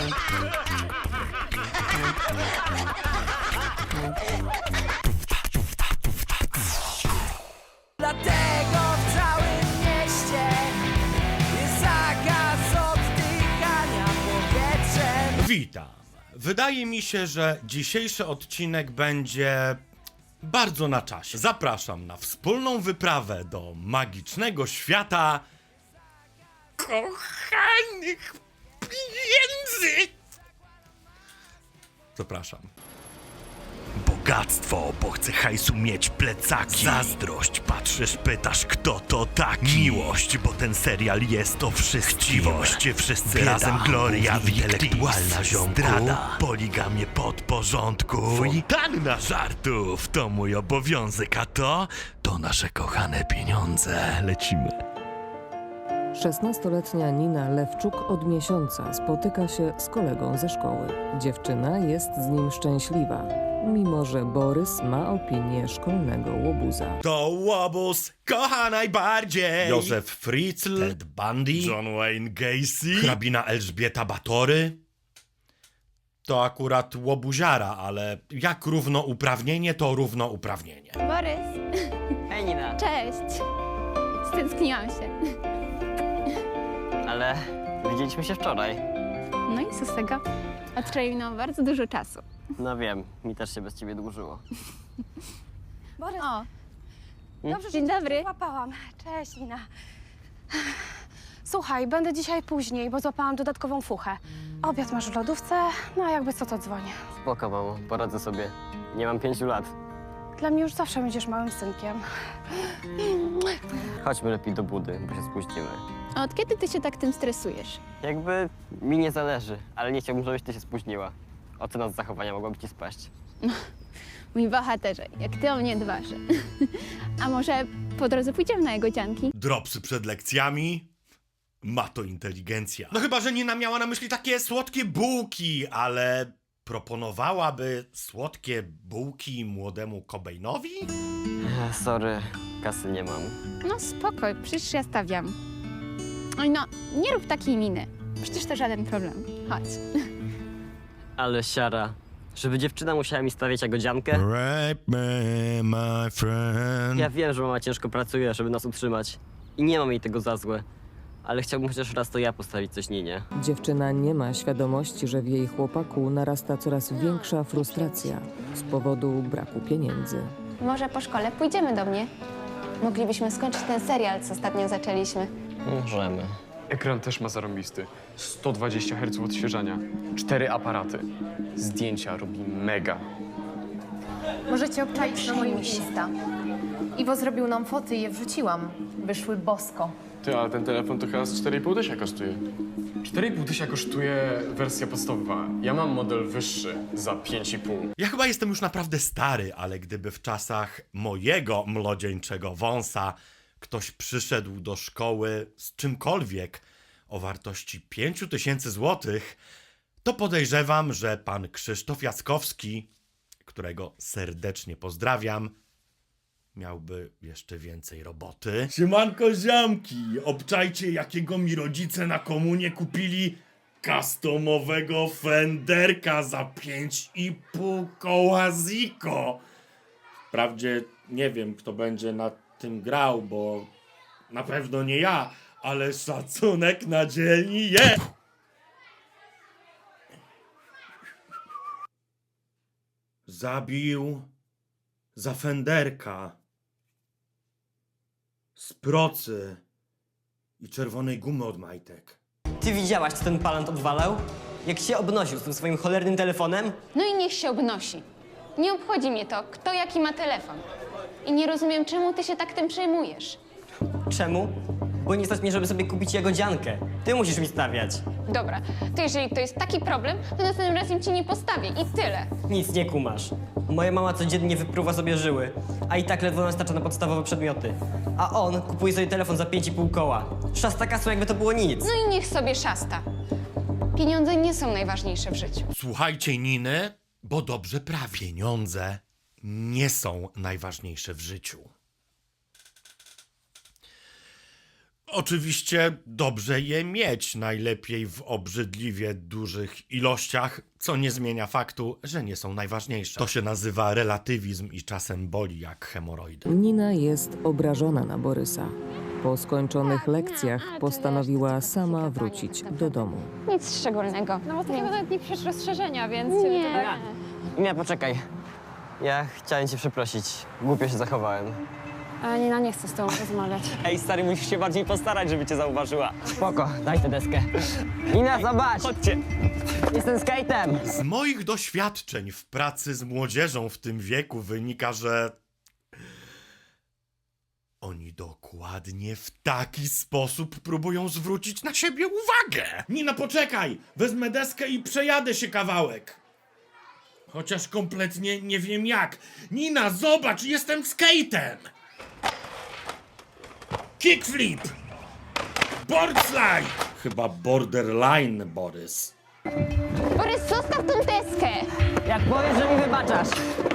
Dlatego w całym mieście jest zakaz oddychania powietrzem. Witam. Wydaje mi się, że dzisiejszy odcinek będzie bardzo na czasie. Zapraszam na wspólną wyprawę do magicznego świata kochanych pieniędzy. Zapraszam. Bogactwo, bo chcę hajsu mieć plecaki. Zazdrość, patrzysz, pytasz, kto to taki. Miłość, bo ten serial jest o wszystkim. Chciwość, wszyscy bieda, razem gloria, intelektualna ziomku. Zdrada, poligamie podporządku. Fontanna żartów, to mój obowiązek, a to nasze kochane pieniądze. Lecimy. 16-letnia Nina Lewczuk od miesiąca spotyka się z kolegą ze szkoły. Dziewczyna jest z nim szczęśliwa, mimo że Borys ma opinię szkolnego łobuza. To łobuz kocha najbardziej. Józef Fritzl, Ted Bundy, John Wayne Gacy, hrabina Elżbieta Batory. To akurat łobuziara, ale jak równouprawnienie, to równouprawnienie. Borys, Hej Nina, cześć. Stęskniłam się. ale widzieliśmy się wczoraj. No i co z tego? Od wczoraj minęło bardzo dużo czasu. No wiem, mi też się bez ciebie dłużyło. Borys, O, dobrze, że dzień cię dobry. złapałam. Cześć, Nina. Słuchaj, będę dzisiaj później, bo złapałam dodatkową fuchę. Obiad masz w lodówce, no a jakby co, to dzwonię. Spoko, mamo, poradzę sobie. Nie mam 5 lat. Dla mnie już zawsze będziesz małym synkiem. Chodźmy lepiej do budy, bo się spóźnimy. A od kiedy ty się tak tym stresujesz? Jakby mi nie zależy, ale nie chciałbym, żebyś ty się spóźniła. Ocena z zachowania mogłaby ci spaść. Mój bohaterze, jak ty o mnie dbasz. A może po drodze pójdziemy na jego dzianki? Dropsy przed lekcjami? Ma to inteligencja. No chyba, że Nina miała na myśli takie słodkie bułki, ale proponowałaby słodkie bułki młodemu Cobainowi? Sorry, kasy nie mam. No spoko, przecież ja stawiam. Oj no, nie rób takiej miny. Przecież to żaden problem. Chodź. Ale siara, żeby dziewczyna musiała mi stawiać jagodziankę? Rape me, my friend. Ja wiem, że mama ciężko pracuje, żeby nas utrzymać. I nie mam jej tego za złe. Ale chciałbym chociaż raz to ja postawić coś Ninie. Dziewczyna nie ma świadomości, że w jej chłopaku narasta coraz większa frustracja z powodu braku pieniędzy. Może po szkole pójdziemy do mnie? Moglibyśmy skończyć ten serial, co ostatnio zaczęliśmy. Możemy. Ekran też ma zarąbisty. 120 Hz odświeżania. 4 aparaty. Zdjęcia robi mega. Możecie obczaić na moim Insta. Iwo zrobił nam foty i je wrzuciłam. Wyszły bosko. Ty, ale ten telefon to chyba z 4,5 tysiąca kosztuje. 4,5 tysiąca kosztuje wersja podstawowa. Ja mam model wyższy za 5,5. Ja chyba jestem już naprawdę stary, ale gdyby w czasach mojego młodzieńczego wąsa ktoś przyszedł do szkoły z czymkolwiek o wartości 5000 złotych, to podejrzewam, że pan Krzysztof Jackowski, którego serdecznie pozdrawiam, miałby jeszcze więcej roboty. Siemanko ziomki, obczajcie jakiego mi rodzice na komunie kupili customowego Fenderka za 5,5 koła Zico. Wprawdzie nie wiem, kto będzie na tym grał, bo na pewno nie ja, ale szacunek na dzielni jest. Zabił za Fenderka z procy i czerwonej gumy od majtek. Ty widziałaś, co ten palant odwalał? Jak się obnosił z tym swoim cholernym telefonem? No i niech się obnosi. Nie obchodzi mnie to, kto jaki ma telefon. I nie rozumiem, czemu ty się tak tym przejmujesz. Czemu? Bo nie stać mnie, żeby sobie kupić jagodziankę. Ty musisz mi stawiać. Dobra, to jeżeli to jest taki problem, to następnym razem ci nie postawię i tyle. Nic nie kumasz. Moja mama codziennie wypruwa sobie żyły, a i tak ledwo nam starcza na podstawowe przedmioty. A on kupuje sobie telefon za 5,5 koła. Szasta kasą, jakby to było nic. No i niech sobie szasta. Pieniądze nie są najważniejsze w życiu. Słuchajcie Niny, bo dobrze prawie. Pieniądze nie są najważniejsze w życiu. Oczywiście dobrze je mieć, najlepiej w obrzydliwie dużych ilościach, co nie zmienia faktu, że nie są najważniejsze. To się nazywa relatywizm i czasem boli jak hemoroidy. Nina jest obrażona na Borysa. Po skończonych lekcjach postanowiła sama wrócić do domu. Nic szczególnego. No bo takiego nawet nie piszesz rozszerzenia, więc cię Nie. to tak... Nie, poczekaj. Ja chciałem cię przeprosić. Głupio się zachowałem. A Nina nie chce z tobą rozmawiać. Ej, stary, musisz się bardziej postarać, żeby cię zauważyła. Spoko, daj tę deskę. Nina, zobacz! Chodźcie. Jestem skatem. Z moich doświadczeń w pracy z młodzieżą w tym wieku wynika, że oni dokładnie w taki sposób próbują zwrócić na siebie uwagę. Nina, poczekaj! Wezmę deskę i przejadę się kawałek. Chociaż kompletnie nie wiem jak. Nina, zobacz, jestem skatem! Kickflip! Boardslide! Chyba borderline, Borys. Borys, zostaw tą deskę! Jak powiesz, że mi wybaczasz.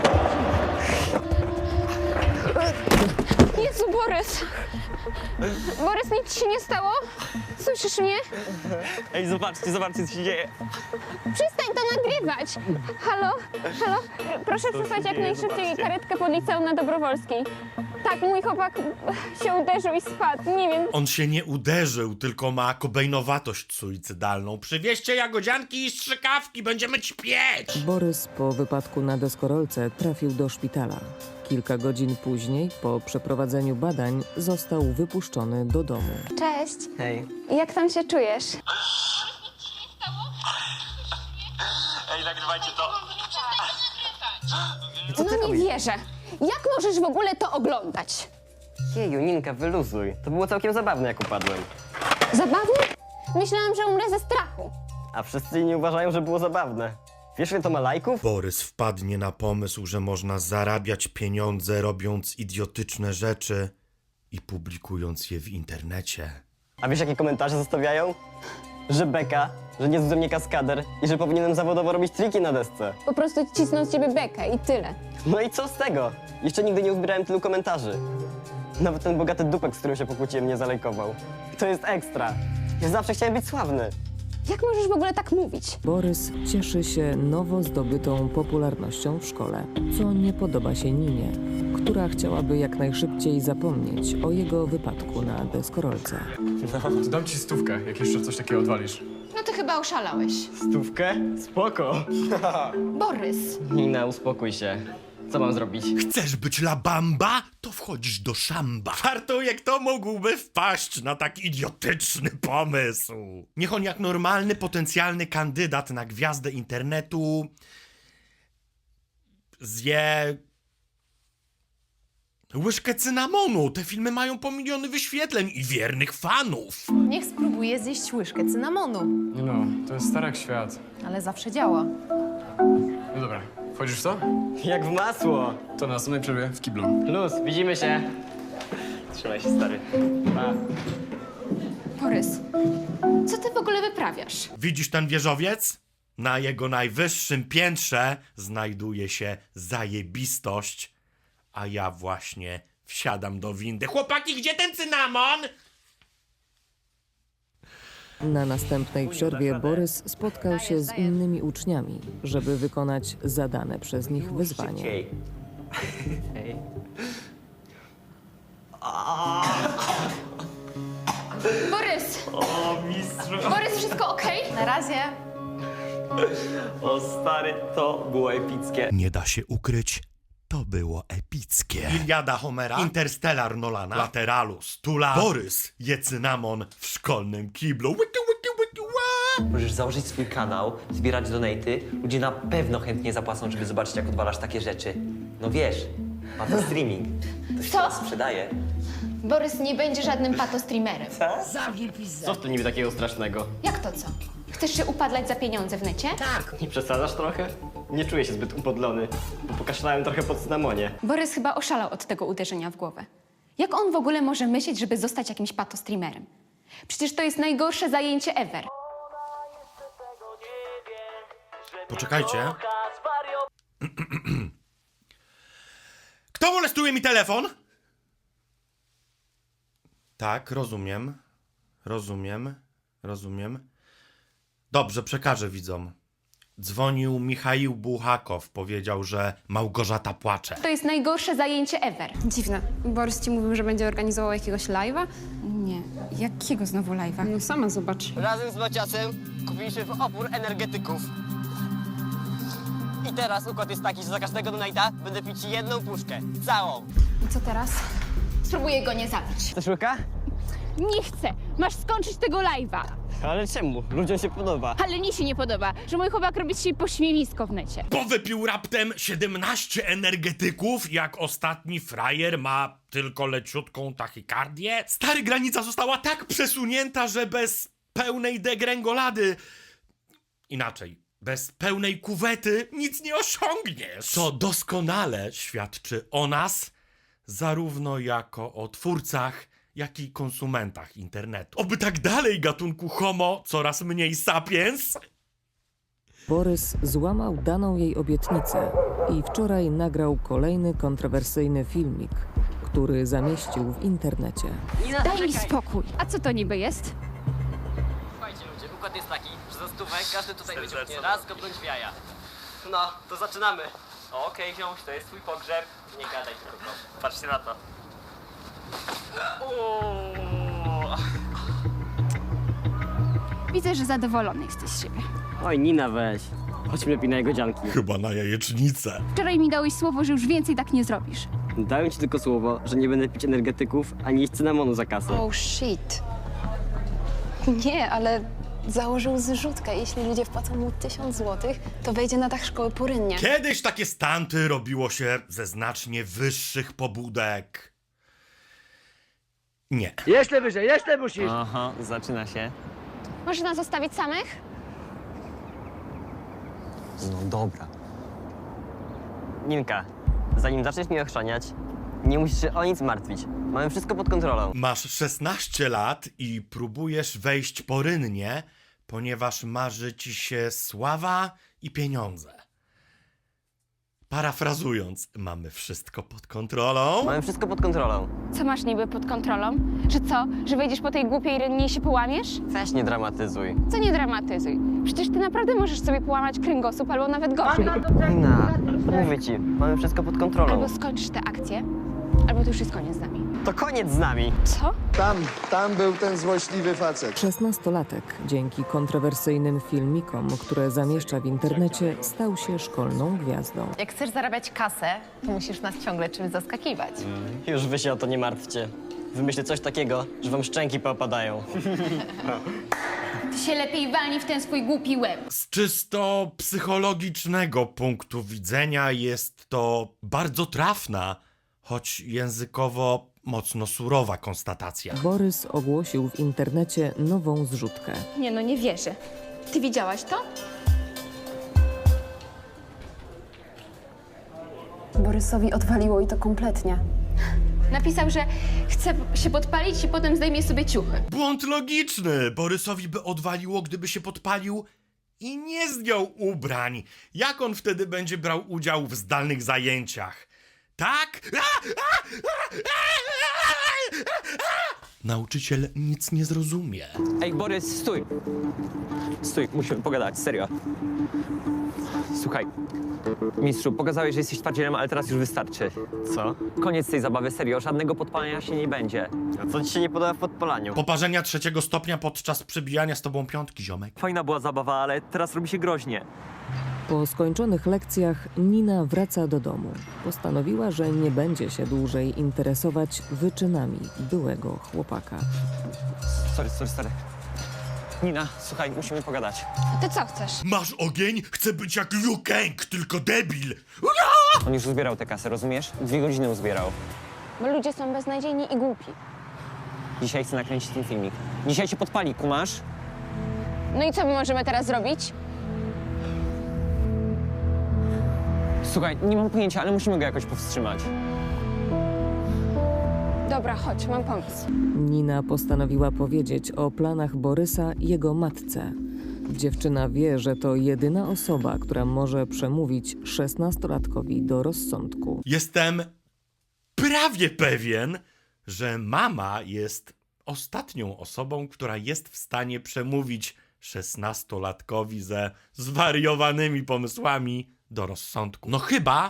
Jezu, Borys! Borys, nic ci się nie stało? Słyszysz mnie? Ej, zobaczcie, co się dzieje. Przestań to nagrywać! Halo? Halo? Proszę przysłać jak najszybciej karetkę pod liceum na Dobrowolskiej. Tak, mój chłopak się uderzył i spadł. Nie wiem. On się nie uderzył, tylko ma kobejnowatość suicydalną. Przywieźcie jagodzianki i strzykawki, będziemy ćpieć! Borys po wypadku na deskorolce trafił do szpitala. Kilka godzin później, po przeprowadzeniu badań, został wypuszczony do domu. Cześć. Hej. Jak tam się czujesz? Ej, nagrywajcie to. No nie wierzę. Jak możesz w ogóle to oglądać? Jeju, Ninka, wyluzuj. To było całkiem zabawne, jak upadłem. Zabawne? Myślałam, że umrę ze strachu. A wszyscy nie uważają, że było zabawne. Wiesz, ile to ma lajków? Borys wpadnie na pomysł, że można zarabiać pieniądze robiąc idiotyczne rzeczy i publikując je w internecie. A wiesz, jakie komentarze zostawiają? Że beka, że nie jest ze mnie kaskader i że powinienem zawodowo robić triki na desce. Po prostu cisną z ciebie bekę i tyle. No i co z tego? Jeszcze nigdy nie uzbierałem tylu komentarzy. Nawet ten bogaty dupek, z którym się pokłóciłem, nie zalajkował. To jest ekstra. Ja zawsze chciałem być sławny. Jak możesz w ogóle tak mówić? Borys cieszy się nowo zdobytą popularnością w szkole, co nie podoba się Ninie, która chciałaby jak najszybciej zapomnieć o jego wypadku na deskorolce. To dam ci 100, jak jeszcze coś takiego odwalisz. No ty chyba oszalałeś. 100? Spoko. Borys. Nina, uspokój się. Co mam zrobić? Chcesz być la bamba? To wchodzisz do szamba. Żartuję, kto mógłby wpaść na tak idiotyczny pomysł. Niech on jak normalny, potencjalny kandydat na gwiazdę internetu zje łyżkę cynamonu. Te filmy mają po miliony wyświetleń i wiernych fanów. Niech spróbuje zjeść łyżkę cynamonu. No, to jest stary jak świat. Ale zawsze działa. No dobra, wchodzisz w to? Jak w masło. To na następnej przerwie w kiblu. Luz, widzimy się. Trzymaj się, stary. Pa. Borys, co ty w ogóle wyprawiasz? Widzisz ten wieżowiec? Na jego najwyższym piętrze znajduje się zajebistość, a ja właśnie wsiadam do windy. Chłopaki, gdzie ten cynamon? Na następnej przerwie Borys spotkał się z innymi uczniami, żeby wykonać zadane przez nich wyzwanie. Hej. Borys! O, mistrzu. Borys, wszystko okej? Na razie. O, stary, to było epickie. Nie da się ukryć, to było epickie. Iliada Homera, Interstellar Nolana, Lateralu, Stula, Borys je cynamon w szkolnym kiblu. Wiki, wiki, wiki, wa! Możesz założyć swój kanał, zbierać donaty. Ludzie na pewno chętnie zapłacą, żeby zobaczyć, jak odwalasz takie rzeczy. No wiesz, pato streaming. To się teraz sprzedaje. Borys nie będzie żadnym patostreamerem. Co w tym niby takiego strasznego? Jak to co? Chcesz się upadlać za pieniądze w necie? Nie przesadzasz trochę? Nie czuję się zbyt upodlony, bo pokaszlałem trochę po cynamonie. Borys chyba oszalał od tego uderzenia w głowę. Jak on w ogóle może myśleć, żeby zostać jakimś patostreamerem? Przecież to jest najgorsze zajęcie ever. Poczekajcie. Kto molestuje mi telefon? Tak, rozumiem. Rozumiem. Dobrze, przekażę widzom. Dzwonił Michaił Buchakow, powiedział, że Małgorzata płacze. To jest najgorsze zajęcie ever. Dziwne. Borys ci mówił, że będzie organizował jakiegoś live'a? Nie. Jakiego znowu live'a? No sama zobacz. Razem z Maciasem kupiliśmy w opór energetyków. I teraz układ jest taki, że za każdego donate'a będę pić jedną puszkę. Całą. I co teraz? Spróbuję go nie zabić. Chcesz łyka? Nie chcę. Masz skończyć tego live'a. Ale czemu? Ludziom się podoba. Ale mi się nie podoba, że mój chłopak robi dzisiaj pośmiewisko w necie. Bo wypił raptem 17 energetyków, jak ostatni frajer ma tylko leciutką tachykardię. Stary, granica została tak przesunięta, że bez pełnej degrengolady... Inaczej, bez pełnej kuwety nic nie osiągniesz. Co doskonale świadczy o nas, zarówno jako o twórcach, jak i konsumentach internetu. Oby tak dalej, gatunku homo, coraz mniej sapiens. Borys złamał daną jej obietnicę i wczoraj nagrał kolejny kontrowersyjny filmik, który zamieścił w internecie. Daj mi spokój. A co to niby jest? Słuchajcie ludzie, układ jest taki, że za stówę każdy tutaj wyciągnie raz kopnąć w jaja. No, to zaczynamy. Okej, ziomuś, to jest twój pogrzeb. Nie gadaj tylko. Patrzcie na to. Widzę, że zadowolony jesteś z siebie. Oj, Nina, weź. Chodźmy lepiej na jego dzianki. Chyba na jajecznicę. Wczoraj mi dałeś słowo, że już więcej tak nie zrobisz. Dałem ci tylko słowo, że nie będę pić energetyków, ani jeść cynamonu za kasę. Oh shit. Nie, ale założył zrzutkę. Jeśli ludzie wpłacą mu 1000 złotych, to wejdzie na dach szkoły porynnie. Kiedyś takie stanty robiło się ze znacznie wyższych pobudek. Nie. Jeszcze wyżej, jeszcze musisz. Aha, zaczyna się. Możesz nas zostawić samych? No dobra. Ninka, zanim zaczniesz mnie ochrzaniać, nie musisz się o nic martwić. Mamy wszystko pod kontrolą. Masz 16 lat i próbujesz wejść porynnie, ponieważ marzy ci się sława i pieniądze. Parafrazując, mamy wszystko pod kontrolą. Mamy wszystko pod kontrolą. Co masz niby pod kontrolą? Że co? Że wejdziesz po tej głupiej rynnie i się połamiesz? Weź nie dramatyzuj. Co nie dramatyzuj. Przecież ty naprawdę możesz sobie połamać kręgosłup albo nawet gorzej. Nina, mówię ci, mamy wszystko pod kontrolą. Albo skończysz tę akcję, albo to już jest koniec z nami. To koniec z nami. Co? Tam był ten złośliwy facet. 16-latek dzięki kontrowersyjnym filmikom, które zamieszcza w internecie, stał się szkolną gwiazdą. Jak chcesz zarabiać kasę, to musisz nas ciągle czymś zaskakiwać. Już wy się o to nie martwcie. Wymyślę coś takiego, że wam szczęki popadają. Ty się lepiej walnij w ten swój głupi łeb. Z czysto psychologicznego punktu widzenia jest to bardzo trafna, choć językowo mocno surowa konstatacja. Borys ogłosił w internecie nową zrzutkę. Nie no, nie wierzę. Ty widziałaś to? Borysowi odwaliło i to kompletnie. Napisał, że chce się podpalić i potem zdejmie sobie ciuchy. Błąd logiczny. Borysowi by odwaliło, gdyby się podpalił i nie zdjął ubrań. Jak on wtedy będzie brał udział w zdalnych zajęciach? Tak? Nauczyciel nic nie zrozumie. Ej, Borys, stój! Stój, musimy pogadać, serio. Słuchaj, mistrzu, pokazałeś, że jesteś twardzielem, ale teraz już wystarczy. Co? Koniec tej zabawy, serio, żadnego podpalania się nie będzie. A co ci się nie podoba w podpalaniu? Poparzenia 3. stopnia podczas przebijania z tobą piątki, ziomek. Fajna była zabawa, ale teraz robi się groźnie. Po skończonych lekcjach Nina wraca do domu. Postanowiła, że nie będzie się dłużej interesować wyczynami byłego chłopaka. Sorry. Nina, słuchaj, musimy pogadać. A ty co chcesz? Masz ogień? Chcę być jak Liu Kang, tylko debil. On już uzbierał tę kasę, rozumiesz? 2 godziny uzbierał. Bo ludzie są beznadziejni i głupi. Dzisiaj chcę nakręcić ten filmik. Dzisiaj się podpali, kumasz? No i co my możemy teraz zrobić? Słuchaj, nie mam pojęcia, ale musimy go jakoś powstrzymać. Dobra, chodź, mam pomysł. Nina postanowiła powiedzieć o planach Borysa jego matce. Dziewczyna wie, że to jedyna osoba, która może przemówić 16-latkowi do rozsądku. Jestem prawie pewien, że mama jest ostatnią osobą, która jest w stanie przemówić 16-latkowi ze zwariowanymi pomysłami do rozsądku. No chyba,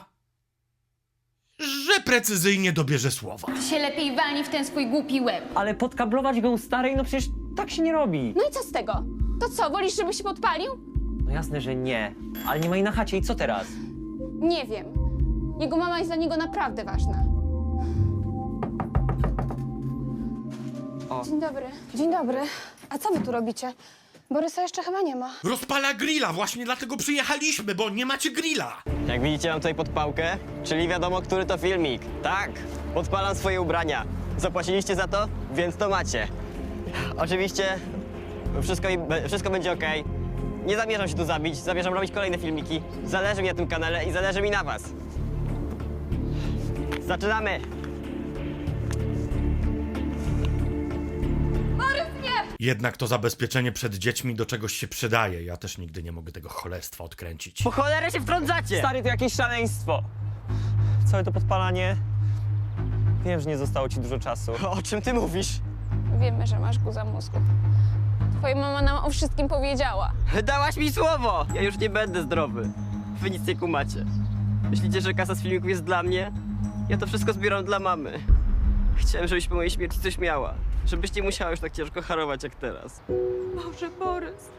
że precyzyjnie dobierze słowa. Ty się lepiej walnij w ten swój głupi łeb. Ale podkablować go u starej? No przecież tak się nie robi. No i co z tego? To co, wolisz, żeby się podpalił? No jasne, że nie. Ale nie ma jej na chacie i co teraz? Nie wiem. Jego mama jest dla niego naprawdę ważna. O. Dzień dobry. Dzień dobry. A co wy tu robicie? Borysa jeszcze chyba nie ma. Rozpala grilla, właśnie dlatego przyjechaliśmy, bo nie macie grilla. Jak widzicie, mam tutaj podpałkę, czyli wiadomo, który to filmik. Tak, podpalam swoje ubrania. Zapłaciliście za to, więc to macie. Oczywiście wszystko będzie okej. Nie zamierzam się tu zabić, zamierzam robić kolejne filmiki. Zależy mi na tym kanale i zależy mi na was. Zaczynamy! Jednak to zabezpieczenie przed dziećmi do czegoś się przydaje. Ja też nigdy nie mogę tego cholerstwa odkręcić. Po cholerę się wtrącacie! Stary, to jakieś szaleństwo. Całe to podpalanie... Wiem, że nie zostało ci dużo czasu. O czym ty mówisz? Wiemy, że masz guza mózgu. Twoja mama nam o wszystkim powiedziała. Dałaś mi słowo! Ja już nie będę zdrowy. Wy nic nie kumacie. Myślicie, że kasa z filmików jest dla mnie? Ja to wszystko zbieram dla mamy. Chciałem, żebyś po mojej śmierci coś miała. Żebyś nie musiała już tak ciężko harować jak teraz. Boże, Borys.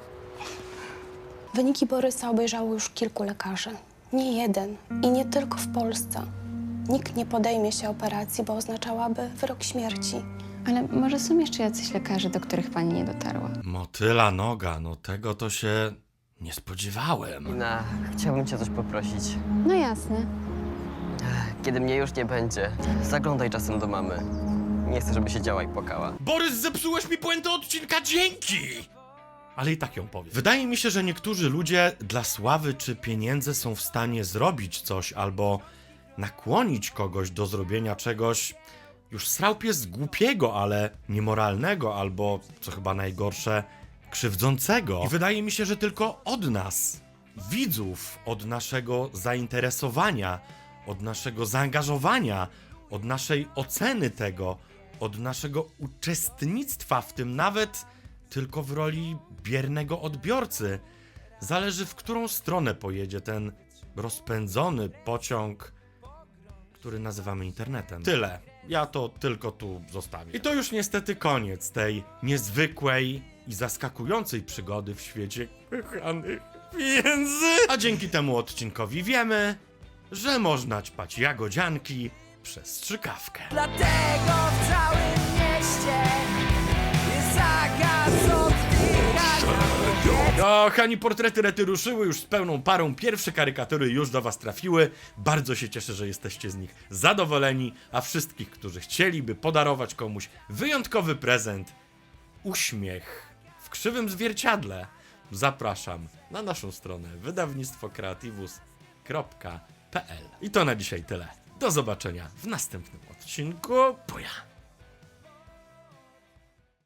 Wyniki Borysa obejrzało już kilku lekarzy. Nie jeden. I nie tylko w Polsce. Nikt nie podejmie się operacji, bo oznaczałaby wyrok śmierci. Ale może są jeszcze jacyś lekarze, do których pani nie dotarła? Motyla noga, no tego to się nie spodziewałem. Ina, chciałbym cię coś poprosić. No jasne. Kiedy mnie już nie będzie, zaglądaj czasem do mamy. Nie chcę, żeby siedziała i płakała. Borys, zepsułeś mi puentę odcinka, dzięki! Ale i tak ją powiem. Wydaje mi się, że niektórzy ludzie dla sławy czy pieniędzy są w stanie zrobić coś albo nakłonić kogoś do zrobienia czegoś już srał pies głupiego, ale niemoralnego albo, co chyba najgorsze, krzywdzącego. I wydaje mi się, że tylko od nas, widzów, od naszego zainteresowania, od naszego zaangażowania, od naszej oceny tego, od naszego uczestnictwa w tym, nawet tylko w roli biernego odbiorcy, zależy, w którą stronę pojedzie ten rozpędzony pociąg, który nazywamy internetem. Tyle. Ja to tylko tu zostawię. I to już niestety koniec tej niezwykłej i zaskakującej przygody w świecie kochanych pieniędzy. A dzięki temu odcinkowi wiemy, że można ćpać jagodzianki przez strzykawkę. Dlatego w całym mieście jest zakaz oddychania. Kochani, portrety Rety ruszyły już z pełną parą. Pierwsze karykatury już do was trafiły. Bardzo się cieszę, że jesteście z nich zadowoleni. A wszystkich, którzy chcieliby podarować komuś wyjątkowy prezent, uśmiech w krzywym zwierciadle, zapraszam na naszą stronę wydawnictwokreatywus.pl. I to na dzisiaj tyle. Do zobaczenia w następnym odcinku. Buja!